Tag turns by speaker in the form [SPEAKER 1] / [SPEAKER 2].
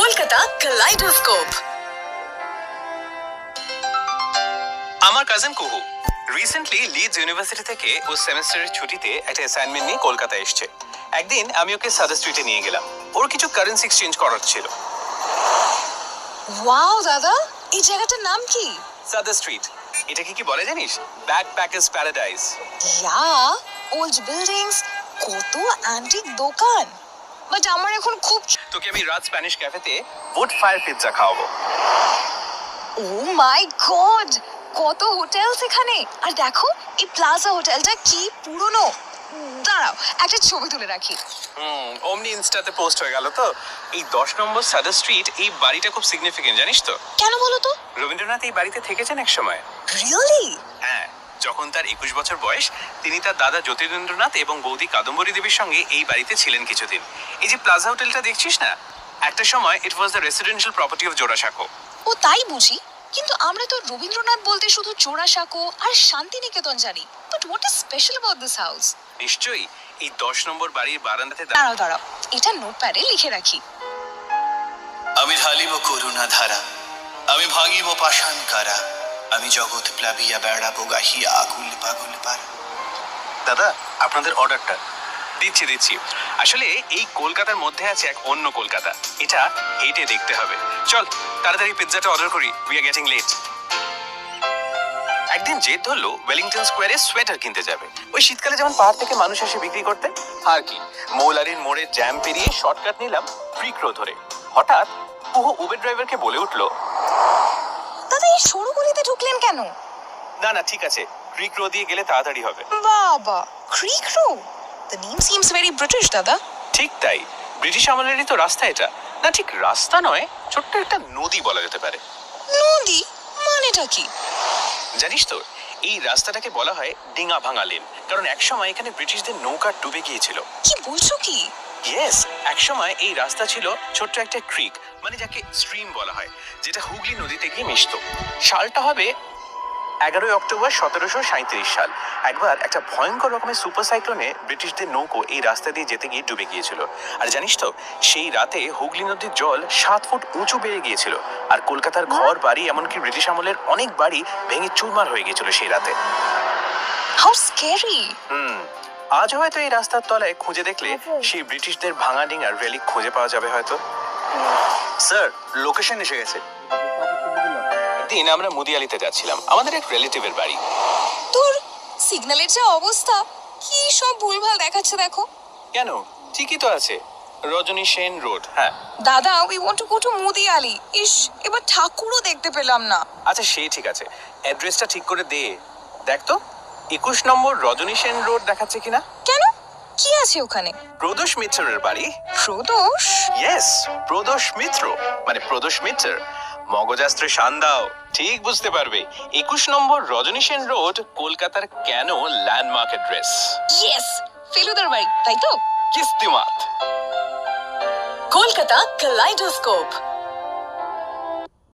[SPEAKER 1] কলকাতা কালাইডোস্কোপ।
[SPEAKER 2] আমার কাজিন কুহু recently Leeds university থেকে ও সেমেস্টারের ছুটিতে একটা অ্যাসাইনমেন্ট নিয়ে কলকাতায় এসেছে। একদিন আমি ওকে সাদা স্ট্রিটে নিয়ে গেলাম, ওর কিছু কারেন্সি এক্সচেঞ্জ করার ছিল।
[SPEAKER 1] ওয়াও দাদা, এই জায়গাটার নাম কি?
[SPEAKER 2] সাদা স্ট্রিট। এটাকে কি বলে জানিস? Backpackers paradise.
[SPEAKER 1] Yeah, old buildings, কত অ্যান্টিক দোকান। বাট আমার এখন খুব
[SPEAKER 2] তোকে আমি রাত স্প্যানিশ ক্যাফেতে উড ফায়ার পিৎজা খাওয়াবো।
[SPEAKER 1] ও মাই গড, কত হোটেল এখানে। আর দেখো এই প্লাজা হোটেলটা কি পুরনো। দাঁড়াও একটা ছবি তুলে রাখি।
[SPEAKER 2] অমনি ইনস্টাতে পোস্ট হয়ে গেল তো। এই 10 নম্বর সাদা স্ট্রিট, এই বাড়িটা খুব সিগনিফিকেন্ট জানিস তো?
[SPEAKER 1] কেন বলো তো?
[SPEAKER 2] রবীন্দ্রনাথ এই বাড়িতে থেকেছেন এক সময়।
[SPEAKER 1] রিয়েলি?
[SPEAKER 2] হ্যাঁ, যখন তার 21 বছর বয়স, তিনি তার দাদা জ্যোতিরেন্দ্রনাথ এবং বৌদি কাদম্বরী দেবীর সঙ্গে এই বাড়িতে ছিলেন কিছুদিন। এই যে প্লাজা হোটেলটা দেখছিস না, একটা সময় it was the residential property of Jorasanko.
[SPEAKER 1] ও তাই বুঝি, কিন্তু আমরা তো রবীন্দ্রনাথ বলতে শুধু জোড়াসাঁকো আর শান্তিনিকেতন জানি। But what is special about this house?
[SPEAKER 2] নিশ্চয়ই এই 10 নম্বর বাড়ির বারান্দাতে
[SPEAKER 1] দাঁড়াও দাঁড়াও, এটা নোটপ্যাডে লিখে রাখি।
[SPEAKER 3] আমি ঢালিব করুণা ধারা, আমি ভাঙিব পাষাণ কারা, আমি জগৎ প্লাবিয়া বেড়াবো গাহিয়া আকুল পাগল পারা।
[SPEAKER 2] দাদা, আপনাদের অর্ডারটা দিচ্ছি। আসলে এই কলকাতার মধ্যে আছে এক অন্য কলকাতা, এটা হেঁটে দেখতে হবে। চল তাড়াতাড়ি পিৎজাটা অর্ডার করি, উই আর গেটিং লেট। একদিন জেদ ধরলো ওয়েলিংটন স্কোয়ারে সোয়েটার কিনতে যাবে। ওই শীতকালে যেমন পাহাড় থেকে মানুষ আসে বিক্রি করতে, আর কি মৌলারির মোড়ে জ্যাম পেরিয়ে শর্টকাট নিলাম ক্রিক রো ধরে। হঠাৎ কুহু উবের ড্রাইভারকে বলে উঠলো,
[SPEAKER 1] দাদা এই সরু গলিতে ঢুকলেন কেন?
[SPEAKER 2] না ঠিক আছে, ক্রিক রো দিয়ে গেলে তাড়াতাড়ি হবে।
[SPEAKER 1] বাবা, creek row, the name seems very British দাদা।
[SPEAKER 2] ঠিক তাই, ব্রিটিশ আমলেরই তো রাস্তা এটা। না ঠিক রাস্তা নয়, ছোট্ট একটা নদী বলা যেতে পারে।
[SPEAKER 1] নদী মানেটা কি?
[SPEAKER 2] জানিস তো, এই রাস্তাটাকে বলা হয় ডিঙা ভাঙা লেন, কারণ একসময় এখানে ব্রিটিশদের নৌকা ডুবে গিয়েছিল।
[SPEAKER 1] কি বলছো কি?
[SPEAKER 2] ইয়েস, একসময় এই রাস্তা ছিল ছোট্ট একটা ক্রিক, মানে যাকে স্ট্রিম বলা হয়, যেটা হুগলি নদীতে গিয়ে মিশত। সালটা হবে 11 অক্টোবর 1737 সাল। একবার একটা ভয়ঙ্কর রকমের সুপার সাইক্লোনে ব্রিটিশদের নৌকো এই রাস্তা দিয়ে যেতে গিয়ে ডুবে গিয়েছিল। আর জানিস তো, সেই রাতে হুগলি নদীর জল 7 ফুট উঁচু বেড়ে গিয়েছিল। আর কলকাতার ঘর বাড়ি, এমনকি ব্রিটিশ আমলের অনেক বাড়ি ভেঙে চুরমার হয়ে গিয়েছিল সেই রাতে।
[SPEAKER 1] How scary.
[SPEAKER 2] আজ হয়তো এই রাস্তার তলায় খুঁজে দেখলে সেই ব্রিটিশদের ভাঙা ডিঙার রেলিক খুঁজে পাওয়া যাবে হয়তো। স্যার, লোকেশন এসে গেছে। দিন আমরা মুদিয়ালিতে যাচ্ছিলাম, আমাদের এক রিলেটিভের বাড়ি।
[SPEAKER 1] তোর সিগন্যালের যা অবস্থা, কি সব ভুলভাল দেখাচ্ছে দেখো।
[SPEAKER 2] কেন, ঠিকই তো আছে, রজনী সেন রোড। হ্যাঁ
[SPEAKER 1] দাদা, we want to go to Mudiali. ইস, এবার ঠাকুরও দেখতে পেলাম না।
[SPEAKER 2] আচ্ছা সে ঠিক আছে, অ্যাড্রেসটা ঠিক করে দে। দেখ তো 21 নম্বর রজনী সেন রোড দেখাচ্ছে কিনা।
[SPEAKER 1] কেন, কি আছে ওখানে?
[SPEAKER 2] প্রদোষ মিত্রের বাড়ি।
[SPEAKER 1] প্রদোষ?
[SPEAKER 2] ইয়েস, প্রদোষ মিত্র মানে প্রদোষ মিত্র। মগজাস্ত্রে শান দাও, ঠিক বুঝতে পারবে। 21 নম্বর রজনী সেন রোড কলকাতার কেন ল্যান্ডমার্ক অ্যাড্রেস।
[SPEAKER 1] ইয়েস, ফেলুদার বাড়ি, তাই তো?
[SPEAKER 2] কিস্তিমাত।
[SPEAKER 1] কলকাতা কালাইডোস্কোপ।